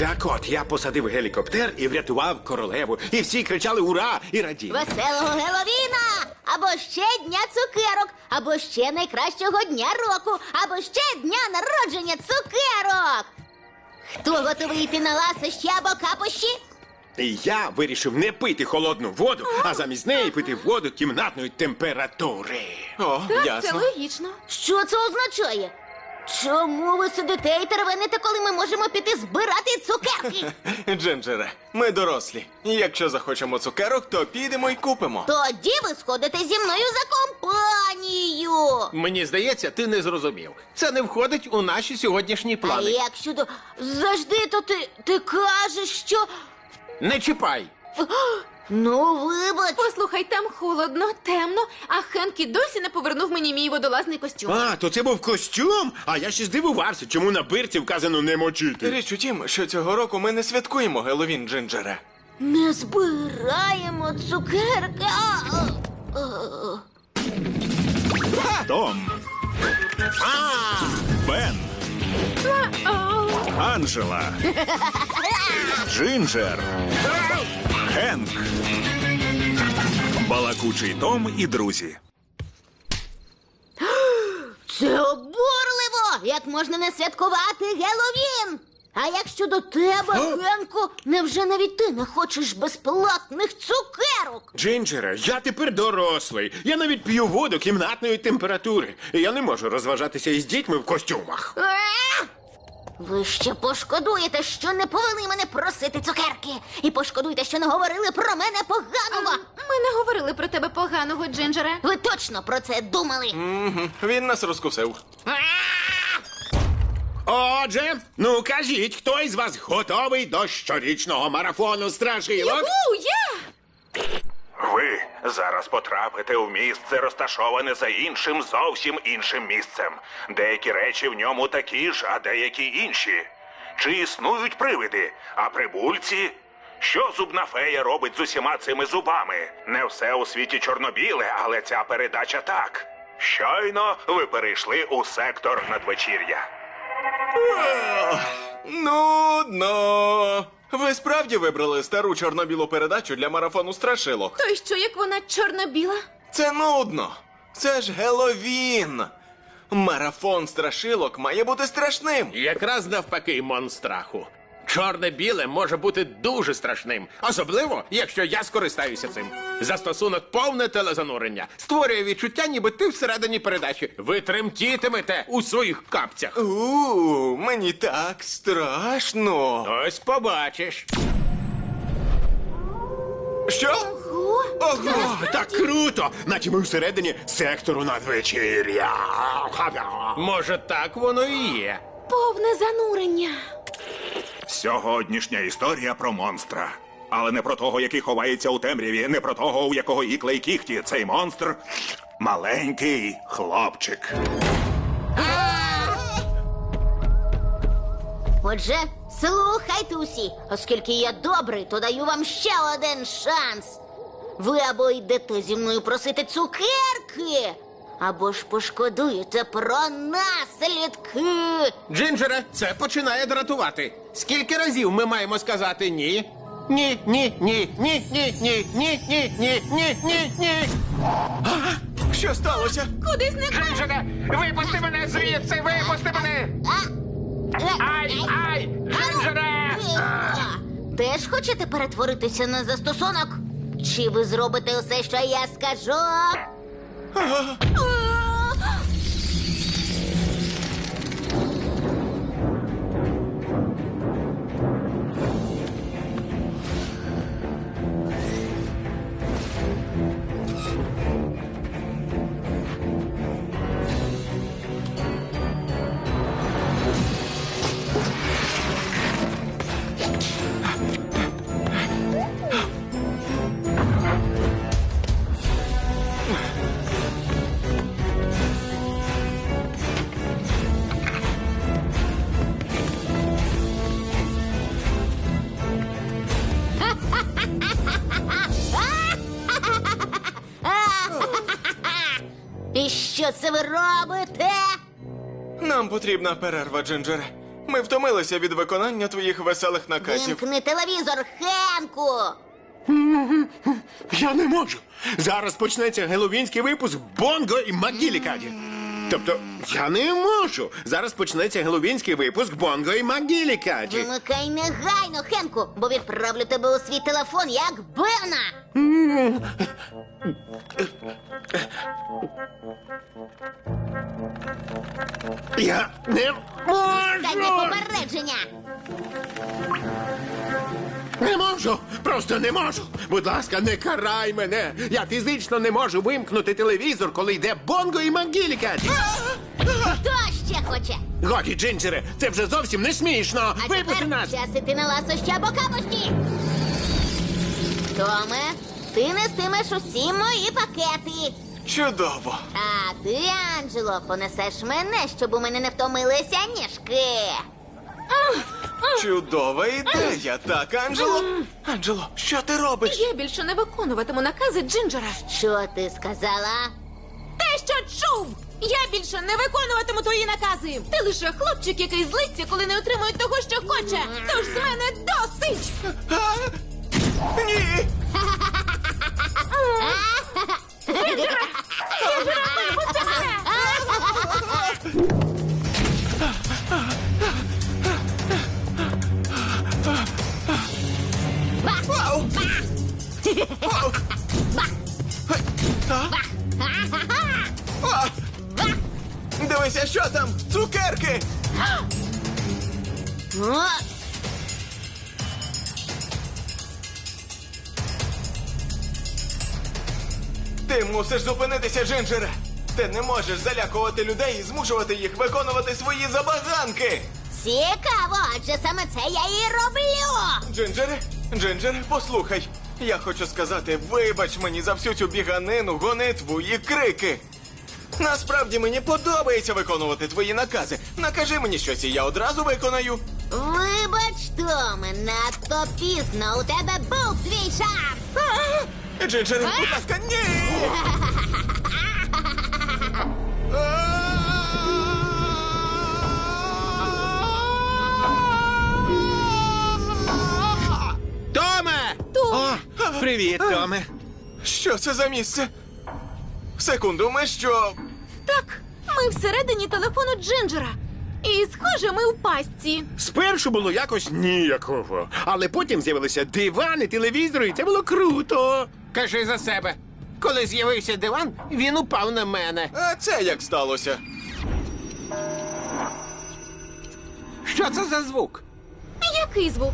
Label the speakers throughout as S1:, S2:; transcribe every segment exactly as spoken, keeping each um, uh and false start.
S1: Так от, я посадив гелікоптер і врятував королеву. І всі кричали «Ура!» і раділи.
S2: Веселого Геловіна! Або ще дня цукерок, або ще найкращого дня року, або ще дня народження цукерок! Хто готовий йти на ласощі або капощі?
S1: І я вирішив не пити холодну воду, а замість неї пити воду кімнатної температури.
S3: О,
S4: Так, це
S3: ясно.
S4: логічно.
S2: Що це означає? Чому ви сидите і тервените, коли ми можемо піти збирати цукерки?
S3: Джинджере, ми дорослі. Якщо захочемо цукерок, то підемо і купимо.
S2: Тоді ви сходите зі мною за компанію.
S5: Мені здається, ти не зрозумів. Це не входить у наші сьогоднішні
S2: А
S5: плани.
S2: як щодо... Завжди, то ти, ти кажеш, що...
S5: Не чіпай!
S2: Ну, вибач.
S4: Послухай, там холодно, темно, а Хенкі досі не повернув мені мій водолазний костюм.
S1: А, то це був костюм? А я ще здивувався, чому на бирці вказано не мочити.
S3: Річ у тім, що цього року ми не святкуємо Геловін, Джинджере.
S2: Не збираємо цукерки. А, а, а.
S6: Том. Бен. Анжела. Джинджер. Хенк. Балакучий Том і друзі.
S2: Це обурливо! Як можна не святкувати Геловін? А як щодо тебе, Генку, невже навіть ти не хочеш безплатних цукерок?
S1: Джинджере, я тепер дорослий. Я навіть п'ю воду кімнатної температури. І я не можу розважатися із дітьми в костюмах.
S2: Е? Ви ще пошкодуєте, що не повели мене просити цукерки. І пошкодуєте, що не говорили про мене поганого.
S4: Ми не говорили про тебе поганого, Джинджере.
S2: Ви точно про це думали?
S3: Угу. Він нас розкусив.
S1: Отже, ну кажіть, хто із вас готовий до щорічного марафону страшилок?
S4: У, я!
S7: Ви зараз потрапите в місце, розташоване за іншим, зовсім іншим місцем. Деякі речі в ньому такі ж, а деякі інші. Чи існують привиди, а прибульці? Що зубна фея робить з усіма цими зубами? Не все у світі чорно-біле, але ця передача так. Щойно ви перейшли у сектор надвечір'я.
S3: Нудно. Ви справді вибрали стару чорно-білу передачу для марафону страшилок?
S4: То й що, як вона чорно-біла?
S3: Це нудно. Це ж Геловін. Марафон страшилок має бути страшним.
S5: Якраз навпаки, монстраху. Чорне-біле може бути дуже страшним. Особливо, якщо я скористаюся цим. Застосунок повне телезанурення. Створює відчуття, ніби ти всередині передачі. Ви тремтітимете у своїх капцях.
S3: У, мені так страшно.
S5: Ось побачиш.
S3: Що?
S1: Ого, так круто! Наче ми всередині сектору надвечір'я.
S5: Може, так воно і є.
S4: Повне занурення.
S6: Сьогоднішня історія про монстра. Але не про того, який ховається у темряві, не про того, у якого ікла й кіхті. Цей монстр – маленький хлопчик.
S2: Отже, слухайте усі, оскільки я добрий, то даю вам ще один шанс. Ви або йдете зі мною просити цукерки, або ж пошкодуєте про наслідки.
S5: Джинджере, це починає дратувати. Скільки разів ми маємо сказати ні? Ні, ні, ні, ні, ні, ні, ні, ні, ні, ні, ні, ні.
S3: Що сталося?
S4: Куди зникла?
S5: Джинджере, випусти мене звідси, випусти мене! Ай, ай, Джинджере!
S2: Теж хочете перетворитися на застосунок? Чи ви зробите усе, що я скажу? І що це ви робите?
S3: Нам потрібна перерва, Джинджере. Ми втомилися від виконання твоїх веселих наказів.
S2: Вимкни телевізор, Хенку!
S1: Я не можу. Зараз почнеться геловінський випуск Бонго і Макгілікаді. Тобто, я не можу. Зараз почнеться геловінський випуск Бонго і Макгілікаді.
S2: Вимикай негайно, Хенку, бо відправлю тебе у свій телефон, як Бена!
S1: Я не
S2: Дай
S1: можу.
S2: попередження!
S1: Не можу. Просто не можу. Будь ласка, не карай мене. Я фізично не можу вимкнути телевізор, коли йде Бонго і Макгілікаді.
S2: Хто ще хоче?
S1: Годі, Джинджере, це вже зовсім не смішно.
S2: А
S1: Випусти
S2: тепер
S1: нас.
S2: час іти на ласощі або капості. Томе, ти нестимеш усі мої пакети.
S3: Чудово.
S2: А ти, Анджело, понесеш мене, щоб у мене не втомилися ніжки.
S3: Чудова ідея, так, Анджело? Анджело, що ти робиш?
S4: Я більше не виконуватиму накази Джинджера.
S2: Що ти сказала?
S4: Те, що чув! Я більше не виконуватиму твої накази! Ти лише хлопчик, який злиться, коли не отримує того, що хоче! Тож з мене досить!
S3: А? Ні! Вау! Вау! А? А! Дивися, що там! Цукерки!
S2: О,
S3: Ти мусиш зупинитися, Джинджере! Ти не можеш залякувати людей і змушувати їх виконувати свої забаганки!
S2: цікаво, адже саме це я і роблю.
S3: Джинджере, Джинджере, послухай. Я хочу сказати, вибач мені за всю цю біганину, гонитву і крики. Насправді мені подобається виконувати твої накази. Накажи мені щось, і я одразу виконаю.
S2: Вибач, Томе, надто пізно. У тебе був твій шанс.
S3: А! Джинджере, будь ласка, ні!
S1: Томе! О, привіт, Томе.
S3: Що це за місце? Секунду, ми що?
S4: Так, ми всередині телефону Джинджера. І, схоже, ми в пастці.
S1: Спершу було якось ніяково, але потім з'явилися дивани, телевізори, і це було круто.
S5: Кажи за себе. Коли з'явився диван, він упав на мене.
S3: А це як сталося?
S5: Що це за звук?
S4: Який звук?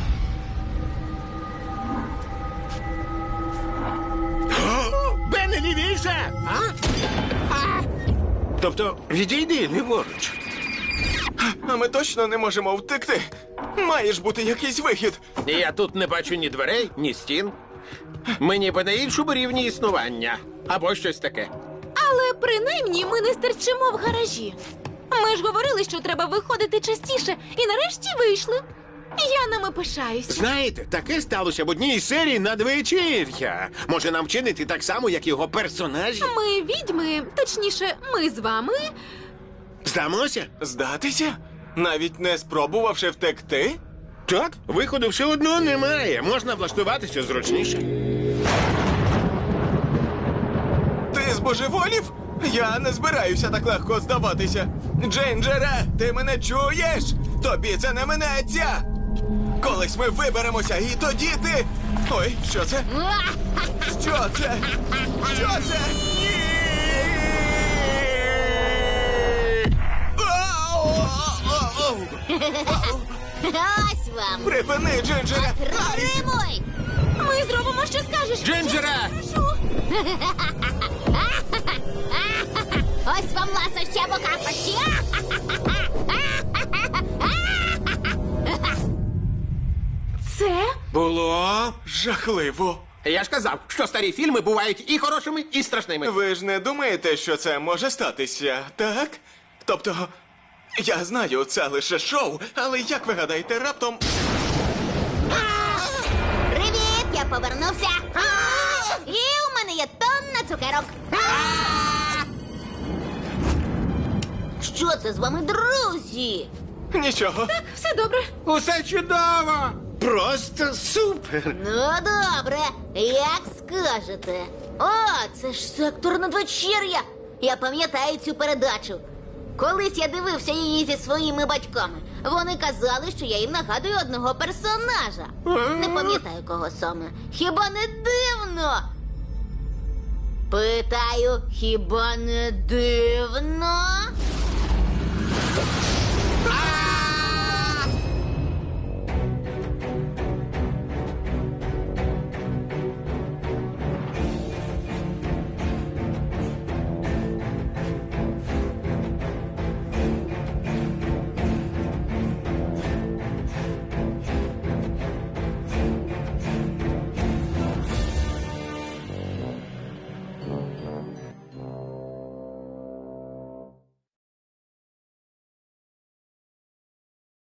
S1: Бене, лівіше! А? А? Тобто, відійди ліворуч.
S3: А ми точно не можемо втекти. Має ж бути якийсь вихід.
S5: Я тут не бачу ні дверей, ні стін. Ми ніби на іншому рівні існування. Або щось таке.
S4: Але принаймні ми не стерчимо в гаражі. Ми ж говорили, що треба виходити частіше, і нарешті вийшли. Я ними пишаюсь.
S1: Знаєте, таке сталося в одній із серій надвечір'я. Може нам вчинити так само, як його персонажі?
S4: Ми відьми, точніше, ми з вами.
S1: Здамося?
S3: Здатися? Навіть не спробувавши втекти?
S1: Так, виходу все одно немає. Можна влаштуватися зручніше.
S3: Ти збожеволів? Я не збираюся так легко здаватися. Джинджере, ти мене чуєш? Тобі це не минеться. Колись ми виберемося, і тоді ти. Ой, що це? Що це? Що це? Ні! Ау!
S2: Ось вам.
S3: Припини, Джинджере!
S2: Римуй!
S4: Ми зробимо, що скажеш.
S5: Джинджере!
S4: Що?
S2: Ось вам ласощі або капощі.
S4: Це?
S1: Було.
S3: Жахливо.
S5: Я ж казав, що старі фільми бувають і хорошими, і страшними.
S3: Ви ж не думаєте, що це може статися, так? Тобто, я знаю, це лише шоу, але як ви гадаєте, раптом.
S2: Привіт, я повернувся. І у мене є тонна цукерок. Що це з вами, друзі?
S3: Нічого.
S4: Все добре.
S5: Усе чудово!
S1: Просто супер!
S2: Ну, добре, як скажете. О, це ж сектор надвечір'я. Я пам'ятаю цю передачу. Колись я дивився її зі своїми батьками. Вони казали, що я їм нагадую одного персонажа. Не пам'ятаю, кого саме. Хіба не дивно? Питаю, хіба не дивно?